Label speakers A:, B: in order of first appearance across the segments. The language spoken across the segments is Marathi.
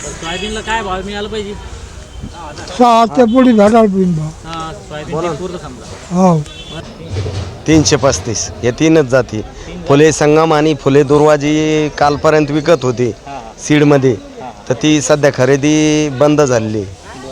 A: सोयाबीनला काय भाव मिळाला पाहिजे?
B: 6 ते पुढे भेटायला पाहिजे भाव.
A: सोयाबीन पूर्ण समजा
B: हो
C: 335 हे तीनच जाती. फुले संगम आणि फुले दुर्वाजी कालपर्यंत विकत होती सीडमध्ये, तर ती सध्या खरेदी बंद झालेली.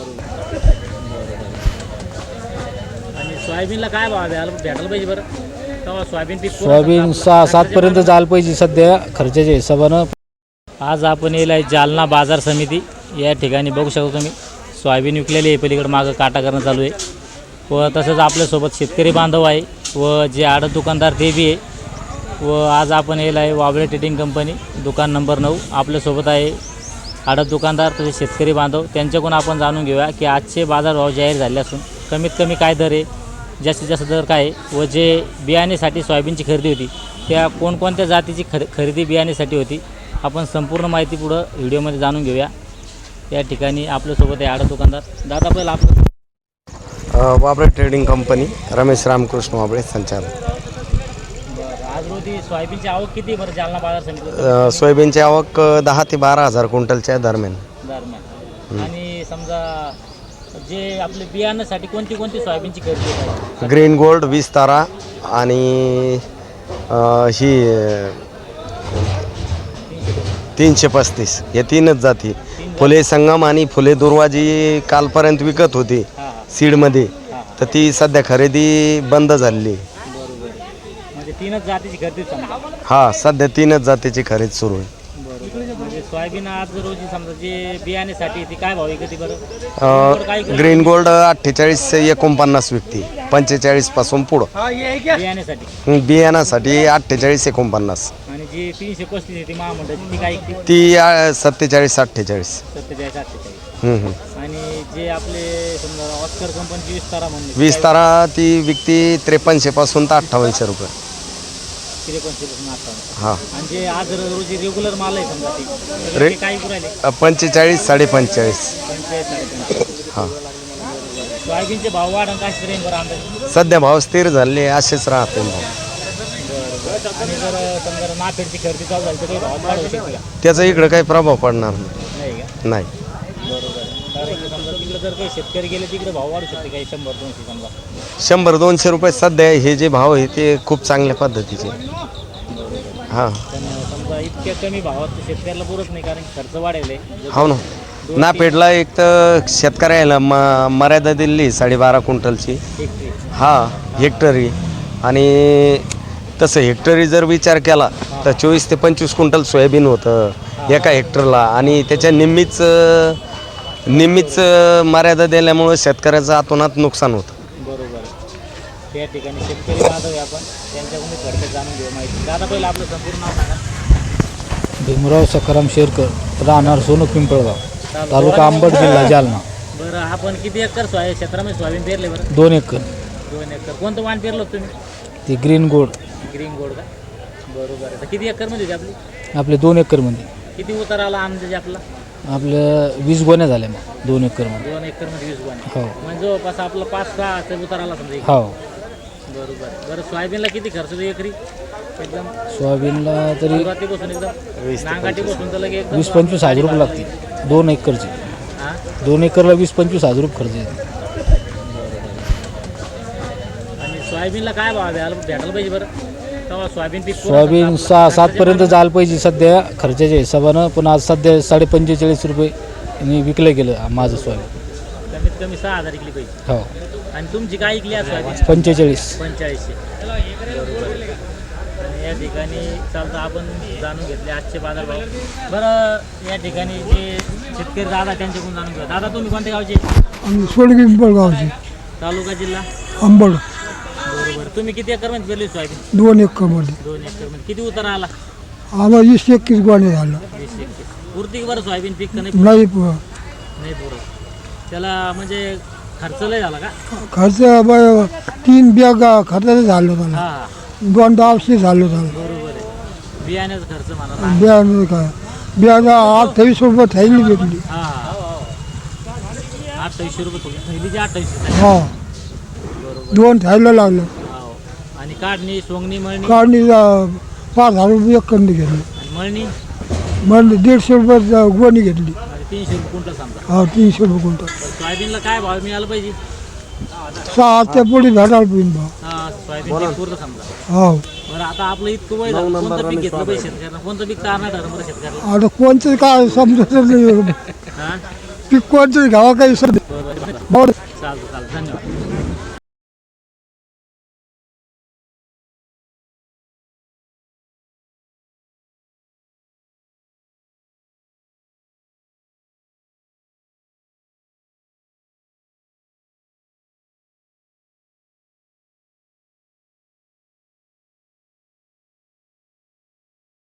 A: आणि सोयाबीनला काय भाव भेटायला पाहिजे बरं? तेव्हा सोयाबीन पीक
D: सोयाबीन 6-7 पर्यंत जायला पाहिजे सध्या खर्चाच्या हिशोबानं.
A: आज आपण येईल आहे जालना बाजार समिती या ठिकाणी बघू शकतो तुम्ही सोयाबीन विकलेली आहे. पलीकडे मागं काटा करणं चालू आहे व तसंच आपल्यासोबत शेतकरी बांधव आहे व जे आडत दुकानदार ते बी आहे. व आज आपण येईल आहे वाबळे ट्रेडिंग कंपनी दुकान नंबर 9. आपल्यासोबत आहे आडत दुकानदार तसेच शेतकरी बांधव. त्यांच्याकडून आपण जाणून घेऊया की आजचे बाजारभाव जाहीर झाले असून कमीत कमी काय दर आहे, जास्तीत जास्त दर काय आहे व जे बियाण्यासाठी सोयाबीनची खरेदी होती त्या कोणकोणत्या जातीची खरेदी बियाण्यासाठी होती आपण संपूर्ण माहिती पुढं व्हिडिओमध्ये जाणून घेऊया. या ठिकाणी आपल्यासोबत आहे आडत दुकानदार. दादा पहिला आपलं
C: वाबळे ट्रेडिंग कंपनी, रमेश रामकृष्ण वाबळे संचालक.
A: आज रोजी सोयाबीनची आवक किती बरं जालना बाजार समिती?
C: सोयाबीनची आवक 10 ते 12,000 क्विंटलच्या दरम्यान.
A: आणि समजा जे आपले बियाण्यासाठी कोणती सोयाबीनची खरेदी आहे?
C: ग्रीन गोल्ड 20 तारा आणि ही 335 हे तीनच जाती. फुले संगम आणि फुले दुर्वाजी कालपर्यंत विकत होती सीडमध्ये, तर ती सध्या खरेदी बंद झालेली.
A: म्हणजे तीनच जातीची खरेदी समजा.
C: हा, सध्या तीनच जातीची खरेदी सुरू आहे.
A: म्हणजे सोयाबीन आज रोजी समजा जे बियाण्यासाठी ती काय भाव आहे कधी बरं?
C: ग्रीन गोल्ड 48-49 विकती, 45 पासून पुढं.
A: बियाण्यासाठी
C: बियाणासाठी 48-49.
A: आणि जी 335 आहे ती महामंडळाची ती काय विकते?
C: ती 47-48.
A: 47-48. आणि जे आपले समजा ऑस्कर कंपनीची 20 तारा म्हणून
C: 20 तारा ती विकती 5300 पासून तर 5800 रुपये.
A: 53 पासून 58.
C: हां,
A: आणि जे आज रोजी रेग्युलर माल आहे समजा ती काय विकू राहिले?
C: 45-45.5.
A: 45-45.
C: हां,
A: सोयाबीनचे भाव वाढ काय श्रेणी बरं अंदाज?
C: सध्या भाव स्थिर झाले, असेच राहते भाव.
A: आणि जर समजा नाफेडची खरेदी चालू झाली तर काही भाव वाढ होऊ शकते का?
C: त्याचा इकडं काही प्रभाव पडणार
A: नाही का?
C: नाही.
A: बरोबर. कारण समजा तिकडे जर काही शेतकरी गेले तिकडे भाव वाढू शकते काही 100-200 समजा.
C: 100-200 रुपये सध्या हे जे भाव आहे ते खूप चांगल्या पद्धतीचे. हां,
A: पण समजा इतक्या कमी भावात शेतकऱ्याला पुरत नाही कारण खर्च वाढेल आहे.
C: हो ना. ना पेडला एक तर शेतकऱ्याला मर्यादा दिली 12.5 क्विंटलची. हां, हेक्टरी. आणि तसं हेक्टरी जर विचार केला तर 24 ते 25 क्विंटल सोयाबीन होतं एका हेक्टरला, आणि त्याच्या निम्मीच मर्यादा दिल्यामुळं शेतकऱ्याचं आतोनात नुकसान होतं.
A: बरोबर. त्या ठिकाणी शेतकरी बांधव आहे आपण त्यांच्याकडून थोडक्यात जाणून घेऊ माहिती. दादा पहिलं आपलं संपूर्ण नाव सांगा.
D: भीमराव सखाराम शेरकर, राहणार सोनू पिंपळगाव, तालुका अंबड, जिल्हा जालना.
A: बरं, आपण किती एकर क्षेत्रामध्ये सोयाबीन पेरले बरं?
D: 2 एकर.
A: 2 एकर. कोणतं वाण पेरलं होतं तुम्ही?
D: ती ग्रीन गोल्ड.
A: ग्रीन गोल्ड का? बरोबर आहे. तर किती एकरमध्ये होती
D: आपले 2 एकरमध्ये.
A: किती उतार आला अंदाजे आपला?
D: आपलं 20 गोण्या झाल्या मग 2 एकरमध्ये.
A: 2 एकरमध्ये 20 गोण्या.
D: हो
A: म्हणजे जवळपास आपला 5-6 उतार आला समजा.
D: हो.
A: बरोबर. बरं, सोयाबीनला किती खर्च होतो एकरी? एकदम
D: सोयाबीनला तरी
A: सुरुवातीपासून एकदम नांगाटीपासून तर लगे एकदम
D: 20-25 हजार रुपये लागतील 2 एकरचे.
A: हां,
D: 2 एकरला 20-25 हजार रुपये खर्च येतो.
A: आणि सोयाबीनला काय भाव भेटायला पाहिजे बरं? तेव्हा सोयाबीन पीक
D: सोयाबीन 6-7 पर्यंत जायला पाहिजे सध्या खर्चाच्या हिशोबानं, पण आज सध्या 45 रुपये विकलं गेलं माझं सोयाबीन.
A: कमीत कमी 6,000 विकली पाहिजे.
D: हो.
A: आणि तुमची काय विकली आज सोयाबीन?
D: 45.
A: 4500. बरोबर. आणि या ठिकाणी चालतं आपण जाणून घेतले आजचे बाजारभाव. बरं, या ठिकाणी जे शेतकरी दादा त्यांच्याकडून जाणून घेऊ. दादा तुम्ही कोणत्या गावचे?
B: आणि सोडगी पिंपळगावची,
A: तालुका जिल्हा
B: अंबड.
A: बरोबर. तुम्ही किती एकरमध्ये पेरली सोयाबीन?
B: 2 एकरमध्ये.
A: 2 एकरमध्ये. किती उतार आला?
B: आम्हाला 20-21 गोणे झालं.
A: 20-21. पुरती बरं सोयाबीन पीक का नाही?
B: नाही
A: नाही पुरत. त्याला म्हणजे खर्च लय झाला का?
B: खर्च 3 बॅग खर्चाचं झालं त्याला.
A: हां,
B: 2 औषध झालं त्याला.
A: बरोबर आहे. बियाण्याचा खर्च म्हणा.
B: बॅग काय बॅग 28 रुपये थैली भेटली.
A: हां, 2800 रुपये थैलीचे 2800.
B: हा,
A: बरोबर.
B: 2 थैलं लागलं.
A: हो. आणि काढणी, सोंगणी, मळणी?
B: काढणी 5,000 रुपये एक कंदी घेतली.
A: आणि मळणी?
B: मग 150 रुपये गोणी घेतली.
A: 300 रुपये क्विंटल समजा.
B: हा 300 रुपये क्विंटल.
A: बरं, सोयाबीनला काय भाव मिळाला पाहिजे?
B: 6 ते पुढे भेटायला पाहिजे बा.
A: सोयाबीन पुरतं समजा.
B: हो
A: बरं, आता आपलं इतकं वय झालं, कोणतं पीक घेतलं पाहिजे शेतकऱ्यांना? कोणतं पीक चालणार ठरलं बरं शेतकऱ्याला?
B: आता कोणतं काय समजत नाही
A: हां
B: पीक कोणतं घ्यावं काही सध्या.
A: बरं बरं
B: बरं
A: चालतं धन्यवाद.